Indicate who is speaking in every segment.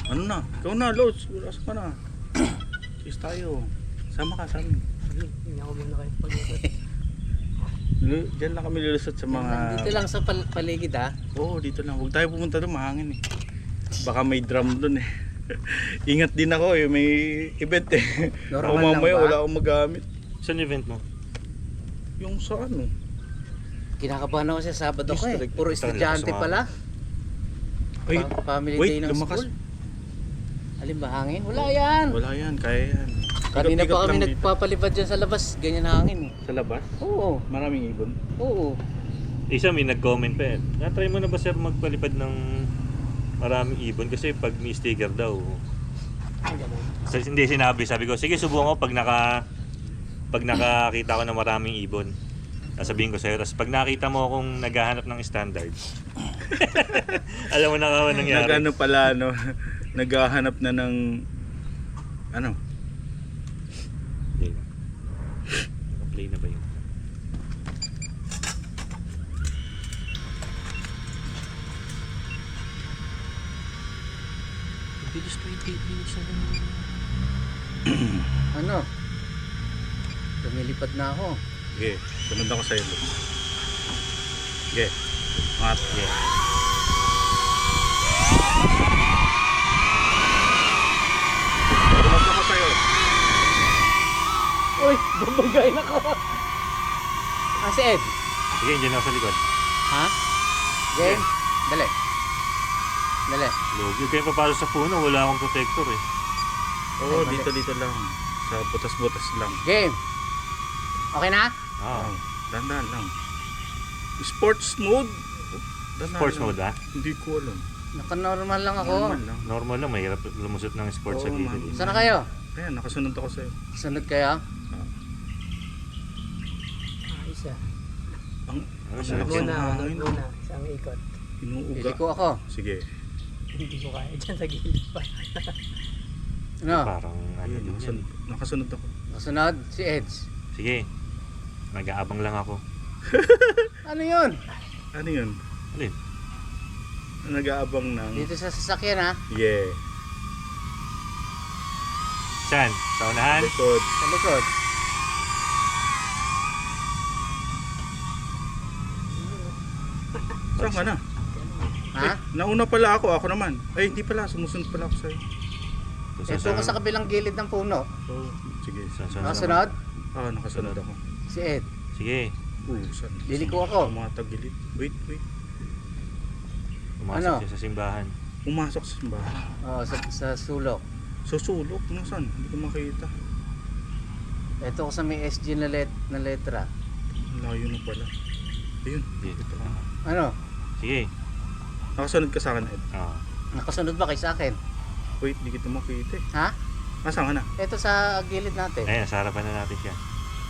Speaker 1: Ano na? Ikaw na, Lods. Wala ka na. Kiss tayo. Sama ka sa amin.
Speaker 2: Hindi ako muna kayo pag-ikot.
Speaker 1: Diyan lang kami lulusot sa mga...
Speaker 2: Dito lang sa paligid ha.
Speaker 1: Oo, dito lang. Huwag tayo pumunta doon, mahangin eh. Baka may drum doon eh. Ingat din ako eh, may event eh. Ako
Speaker 2: Normal lang
Speaker 1: mamaya
Speaker 2: ba?
Speaker 1: wala akong magamit.
Speaker 3: Saan event mo?
Speaker 1: Yung sa ano?
Speaker 2: Kinakabahan ako sa Sabado ko eh.
Speaker 1: District.
Speaker 2: Puro estudyante pala.
Speaker 1: Ay,
Speaker 2: Family
Speaker 1: wait,
Speaker 2: day ng
Speaker 1: lumakas.
Speaker 2: school. Alin ba hangin? Wala yan.
Speaker 1: Wala yan, kaya yan.
Speaker 2: Kanina
Speaker 1: Ikot-ikot
Speaker 2: pa kami
Speaker 1: lang dito.
Speaker 2: nagpapalipad dyan sa labas. Ganyan na hangin eh.
Speaker 1: Sa labas?
Speaker 2: Oo.
Speaker 1: Maraming ibon.
Speaker 2: Oo.
Speaker 3: Isa may nag-comment pa eh. Na-try mo na ba sir magpalipad ng maraming ibon? Kasi pag may sticker daw. Hindi sinabi. Sabi ko, sige subukan ko pag nakakita ko ng maraming ibon. Sasabihin ko sa'yo. Tapos pag nakita mo akong naghahanap ng standard. Alam mo na ka nangyari.
Speaker 1: Nagano pala, no? Naghahanap na ng... Ano?
Speaker 3: Play na. Play na ba yun?
Speaker 2: Bilis 28 minutes na Ano? Lumilipad na ako.
Speaker 1: Sige, sunod ako sa'yo. Sige, mat. Sige. Sunod ako sa'yo.
Speaker 2: Uy! Babagayin ako! Ah, si Ed.
Speaker 3: Sige, dyan ako sa likod.
Speaker 2: Ha? Game? Dali. Dali.
Speaker 3: Logi, kayo papalo sa puno. Wala akong protector eh.
Speaker 1: Oo,
Speaker 2: Ay,
Speaker 1: dito lang. Sa butas-butas lang.
Speaker 2: Game! Okay na?
Speaker 3: Ah.
Speaker 1: Oh, dandan lang. Sports mode? Dandan
Speaker 3: Sports
Speaker 1: lang.
Speaker 3: mode ah?
Speaker 1: Hindi ko alam.
Speaker 2: Naka-normal lang ako.
Speaker 1: Normal lang.
Speaker 3: Normal lang, mahirap lumusot ng sports sa
Speaker 1: Oo,
Speaker 3: gilid.
Speaker 1: man.
Speaker 2: Saan na kayo?
Speaker 1: Ayan, nakasunod ako sa'yo.
Speaker 2: Sunod kayo?
Speaker 4: Isa.
Speaker 1: Ang
Speaker 3: Ano
Speaker 1: ang
Speaker 3: siya?
Speaker 1: lakas ng hangin.
Speaker 4: Una, isang ikot.
Speaker 1: Inuuga.
Speaker 2: Pili ko ako.
Speaker 1: Sige.
Speaker 4: Hindi ko kaya dyan sa gilid pa.
Speaker 2: Ano?
Speaker 3: Parang ano
Speaker 1: Ayun,
Speaker 3: din yan.
Speaker 1: nakasunod ako.
Speaker 2: Kasunod, si Eds.
Speaker 3: Sige, mag-aabang lang ako.
Speaker 2: Ano yun?
Speaker 1: Ano yun?
Speaker 3: Alin?
Speaker 1: Nag-aabang ng...
Speaker 2: Dito sa sasakyan ha?
Speaker 1: Yeah.
Speaker 3: Saan? Sa unahan?
Speaker 1: Likod.
Speaker 2: Sa likod.
Speaker 1: Saan ka na?
Speaker 2: Ha?
Speaker 1: Nauna pala ako. Ako naman. Ay, hindi pala. Sumusunod pala ako sa'yo.
Speaker 2: Ito ko sa kabilang gilid ng puno.
Speaker 1: Oh, sige.
Speaker 2: Nakasunod?
Speaker 1: Ah, nakasunod ako.
Speaker 2: Si Ed.
Speaker 3: Sige,
Speaker 1: Saan?
Speaker 2: Liliko ako.
Speaker 1: Mga tagilid. Wait.
Speaker 3: pumasok
Speaker 2: Ano?
Speaker 3: siya sa simbahan.
Speaker 1: Pumasok sa simbahan.
Speaker 2: Oh, sa sulok.
Speaker 1: Sa sulok. Nasaan? Hindi ko makita.
Speaker 2: Ito ko sa may SG na letra.
Speaker 1: Layo na pala. Ayun.
Speaker 3: Dito
Speaker 1: Ito.
Speaker 3: pala.
Speaker 2: Ano?
Speaker 3: Sige.
Speaker 1: Nakasunod ka sa akin, Ed.
Speaker 3: Ah.
Speaker 2: Nakasunod ba kay sa akin?
Speaker 1: Wait, di kita makita eh.
Speaker 2: Ha?
Speaker 1: Saan ka na?
Speaker 2: Ito sa gilid natin.
Speaker 3: Ayan, sa harapan na natin siya.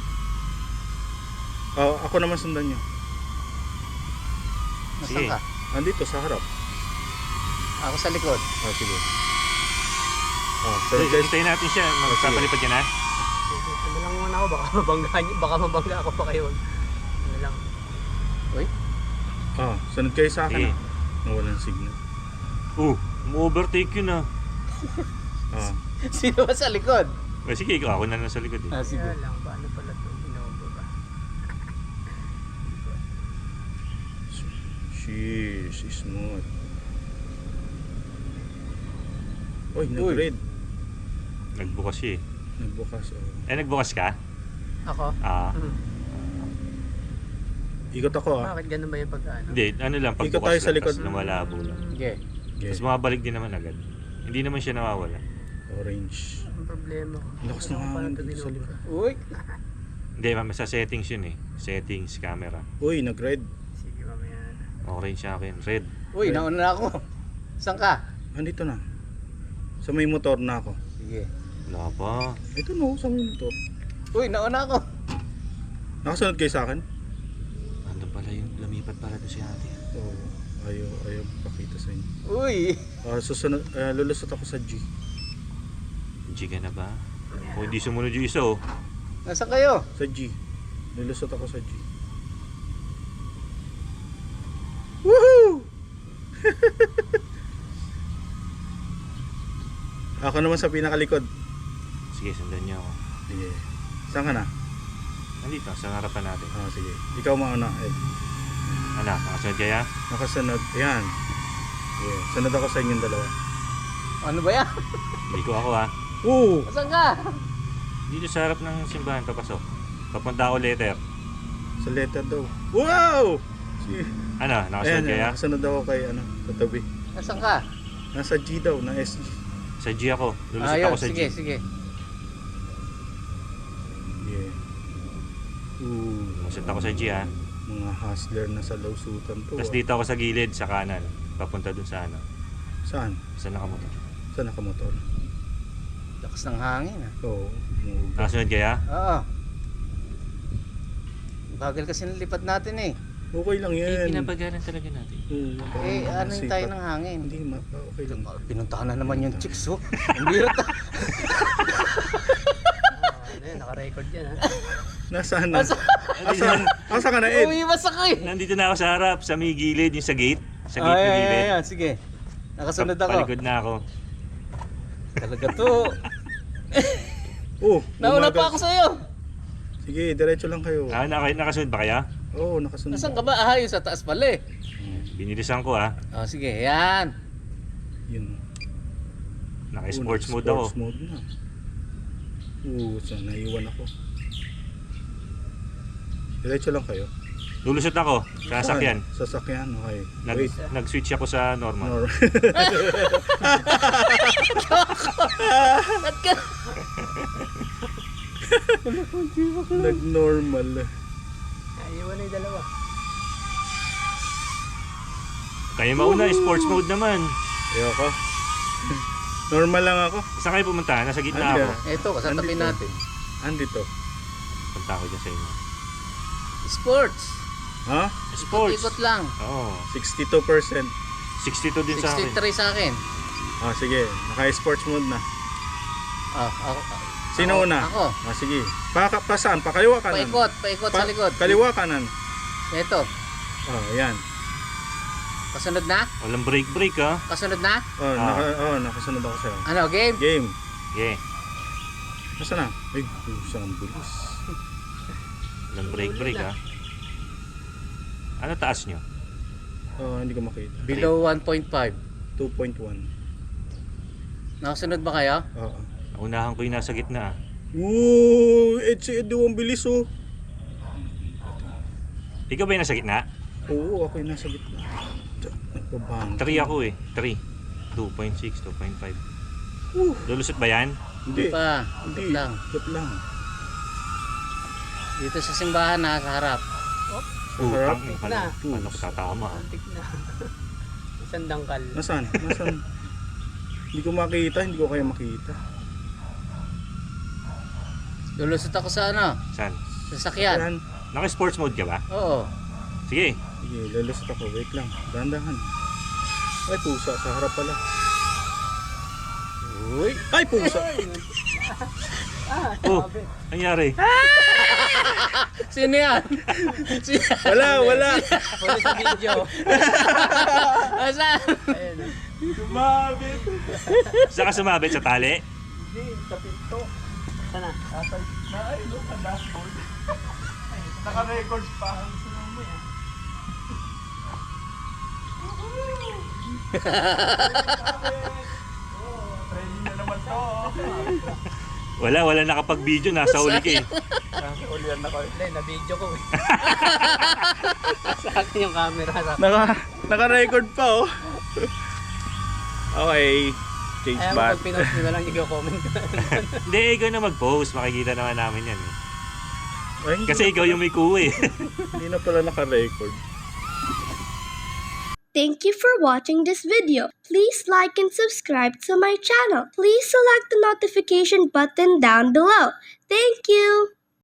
Speaker 1: Oh, ako naman sundan niyo.
Speaker 2: Nasaan
Speaker 3: Sige.
Speaker 2: ka?
Speaker 1: Andito, sa harap.
Speaker 2: Ako sa likod.
Speaker 1: Ah, sige. Oh,
Speaker 3: So,
Speaker 1: sorry guys.
Speaker 3: hintayin natin siya. Magpapalipad yan ha.
Speaker 4: Ano lang muna ako, baka mabangga ako pa kayo. Ano lang.
Speaker 2: Uy,
Speaker 1: Ah, sunod kayo sa akin.
Speaker 3: Sige.
Speaker 1: Nawalan signal.
Speaker 3: Overtake yun ah.
Speaker 1: Ah,
Speaker 2: sino ba sa likod?
Speaker 3: Sige, ako na lang sa likod eh.
Speaker 2: Ah, sige.
Speaker 4: Kaya lang, paano pala ito? Inobo ba?
Speaker 1: sheesh, smooth. Oy, nag-red.
Speaker 3: Nagbukas siya eh.
Speaker 1: Nagbukas. Oh.
Speaker 3: Nagbukas ka?
Speaker 4: Ako?
Speaker 3: Ah.
Speaker 1: Ikot ako ah.
Speaker 4: Bakit ganun ba yung pagkaano?
Speaker 3: Hindi, ano lang,
Speaker 1: Ikot
Speaker 3: pagbukas
Speaker 1: tayo sa
Speaker 3: lang,
Speaker 1: likod.
Speaker 3: tapos lumalabo lang.
Speaker 2: Sige.
Speaker 1: Okay.
Speaker 3: Tapos mabalik din naman agad. Hindi naman siya nawawala.
Speaker 1: Orange.
Speaker 4: Ang problema ko.
Speaker 1: Lakas ng hangin dito sa likod.
Speaker 2: Uy,
Speaker 3: Hindi, sa settings yun eh. Settings, camera.
Speaker 1: Uy, nag-red.
Speaker 4: Sige, mamaya na.
Speaker 3: Orange sa akin, red.
Speaker 2: uy, nauna na ako. Saan ka?
Speaker 1: Andito na. Sa may motor na ako.
Speaker 2: Sige.
Speaker 3: Wala pa.
Speaker 1: Ito no, sa may motor.
Speaker 2: Uy, nauna ako.
Speaker 1: Nakasunod kayo sa akin?
Speaker 3: Ano pala yung lumipat pala doon si ate.
Speaker 1: Oo. Ayaw pakita sa inyo.
Speaker 2: Uy,
Speaker 1: Susunod, lulusot ako sa G.
Speaker 3: G ka na ba? O hindi sumunod yung isa oh.
Speaker 2: nasaan kayo?
Speaker 1: Sa G. Lulusot ako sa G. Woohoo! Ako naman sa pinakalikod.
Speaker 3: Sige, sundan niyo ako.
Speaker 1: Sige. Saan ka na?
Speaker 3: Nandito, sa harapan natin.
Speaker 1: Sige. Ikaw mauna.
Speaker 3: Ano, nakasunod kaya?
Speaker 1: Nakasunod. Ayan. Yeah. Sunod ako sa inyong dalawa.
Speaker 2: Ano ba yan?
Speaker 3: Hindi ko ako ha.
Speaker 1: Oo!
Speaker 2: Saan ka?
Speaker 3: Dito sa harap ng simbahan papasok. Papunta ako letter.
Speaker 1: Sa letter daw. Wow!
Speaker 3: Ano, nakasunod kaya?
Speaker 1: Nakasunod ako kay sa tabi.
Speaker 2: Saan ka?
Speaker 1: Nasa G daw, na SG.
Speaker 3: Sa G ako. Lulusot
Speaker 2: Ayun,
Speaker 3: ako sa
Speaker 2: sige,
Speaker 3: G.
Speaker 2: sige.
Speaker 1: Yeah. Ooh,
Speaker 3: Lulusot ako sa G ha.
Speaker 1: mga hustler na sa lawsutan to.
Speaker 3: Tapos dito ako sa gilid, sa kanan. Papunta dun sa ano.
Speaker 1: Saan?
Speaker 3: Sa nakamotor.
Speaker 1: Saan nakamotor?
Speaker 2: Lakas ng hangin ah.
Speaker 1: Oo.
Speaker 3: Nakasunod kaya?
Speaker 2: Oo. Bagal kasi nilipad natin eh.
Speaker 1: Okay lang yan.
Speaker 3: Pinapagalan talaga natin.
Speaker 1: Oo,
Speaker 2: Ano yung tayo
Speaker 1: sipat.
Speaker 2: ng hangin?
Speaker 1: Hindi, okay lang.
Speaker 2: Pinuntahan na naman yung chicks oh. Ang birat ah.
Speaker 4: Ano yan, naka-record yan ha.
Speaker 1: Nasaan na? Nasaan ka na, Ed?
Speaker 2: Umiwas ako eh.
Speaker 3: Nandito na ako sa harap, sa may gilid, yung sa gate. Sa gate na gilid.
Speaker 2: Ayan, sige. Nakasunod ako.
Speaker 3: Palikod na ako.
Speaker 2: Talaga to.
Speaker 1: Oh,
Speaker 2: Nauna
Speaker 1: bumagal.
Speaker 2: pa ako sa'yo.
Speaker 1: Sige, diretso lang kayo.
Speaker 3: Nakasunod ba kaya?
Speaker 1: Oo, nakasunod.
Speaker 2: Nasaan ka ba? Ah, yung sa taas pala eh.
Speaker 3: Binilisan ko ha.
Speaker 2: Oh, sige, yan.
Speaker 1: Yun.
Speaker 3: Naka-sports
Speaker 1: Oo,
Speaker 3: mode ako.
Speaker 1: Sports mode na. Oo, saan naiwan ako. Diretso lang kayo.
Speaker 3: Lulusot ako sa sasakyan.
Speaker 1: Saan? Sasakyan, okay. Wait.
Speaker 3: Nag-switch ako sa normal.
Speaker 2: Ba't ka?
Speaker 1: Nag-normal.
Speaker 4: Iwan na yung dalawa.
Speaker 3: Kaya mauna, sports mode naman.
Speaker 1: Ayoko. Normal lang ako.
Speaker 3: Saan kayo pumunta? Nasa gitna
Speaker 1: Andyan.
Speaker 3: ako.
Speaker 2: Ito, kasatabi
Speaker 1: Andito.
Speaker 2: natin.
Speaker 1: Andito.
Speaker 3: Punta ako dyan sa inyo.
Speaker 2: Sports.
Speaker 1: Ha?
Speaker 3: Sports.
Speaker 2: Ikot lang.
Speaker 3: Oo.
Speaker 1: 62%.
Speaker 3: 62 din sa akin.
Speaker 2: 63 sa akin.
Speaker 1: Sige. Naka-sports mode na.
Speaker 2: Ako.
Speaker 1: Sino
Speaker 2: Ako.
Speaker 1: una?
Speaker 2: Ako.
Speaker 1: Sige. Pa saan? Pa kaliwa kanan?
Speaker 2: Paikot sa likod.
Speaker 1: Kaliwa kanan.
Speaker 2: Ito.
Speaker 1: Yan.
Speaker 2: Kasunod na?
Speaker 3: Walang break ha.
Speaker 2: Kasunod na?
Speaker 1: Nakasunod ako sa'yo.
Speaker 2: Ano, game?
Speaker 1: Game.
Speaker 3: Okay.
Speaker 1: Nasaan na? Ay, ang bilis.
Speaker 3: Walang break ha. Ano taas nyo?
Speaker 1: Hindi ko makita.
Speaker 2: Below 1.5.
Speaker 1: 2.1.
Speaker 2: Nakasunod ba kayo?
Speaker 1: Oo.
Speaker 3: Naunahan ko yung nasa gitna.
Speaker 1: Si Edu, ang bilis oh.
Speaker 3: Ikaw ba yung nasa gitna?
Speaker 1: Oo, ako yung nasa gitna. Nagpabang.
Speaker 3: 3 ako eh. 3. 2.6, 2.5. Lulusot ba yan?
Speaker 1: Hindi.
Speaker 2: Pa.
Speaker 1: Hindi.
Speaker 2: Ikot lang.
Speaker 1: Ikot lang.
Speaker 2: Dito sa simbahan na sa harap.
Speaker 1: Harap?
Speaker 3: Paano ko tatama?
Speaker 4: Antik na. Isang dangkal.
Speaker 1: Nasaan? Hindi ko makita, hindi ko kaya makita.
Speaker 2: Lulusot ako sa ano?
Speaker 3: Saan?
Speaker 2: Sasakyan.
Speaker 1: Ayan.
Speaker 3: Naka-sports mode ka ba?
Speaker 2: Oo.
Speaker 3: Sige.
Speaker 1: Sige, lalusot ako. Wait lang. Dahan-dahan. Ay, pusa. Sa harap pala.
Speaker 2: Uy.
Speaker 1: Ay, pusa!
Speaker 3: Oh, nangyari.
Speaker 2: Sino yan?
Speaker 1: Wala.
Speaker 4: Huli sa video.
Speaker 2: Asan?
Speaker 4: Ayan.
Speaker 1: Sumabit!
Speaker 3: Saan ka sumabit? Sa tali?
Speaker 1: Hindi, sa pinto.
Speaker 4: Sana.
Speaker 1: Ay, look at dashboard. Naka-records pa. Ang sumami ah. Training na naman to.
Speaker 3: Wala nakapag-video. Nasa uli ka eh.
Speaker 1: Ulian na ko.
Speaker 4: Hindi, na-video ko eh. Sa akin yung camera.
Speaker 1: Naka-record pa oh. Okay. Change
Speaker 4: Ayaw mo
Speaker 1: back.
Speaker 4: pag pinost nyo na lang i-comment ko.
Speaker 3: Hindi, ikaw na mag-post. Makikita naman namin yan eh.
Speaker 1: Ay, hindi
Speaker 3: Kasi ikaw yung may kuha eh.
Speaker 1: Hindi na pala naka-record.
Speaker 5: Thank you for watching this video. Please like and subscribe to my channel. Please select the notification button down below. Thank you.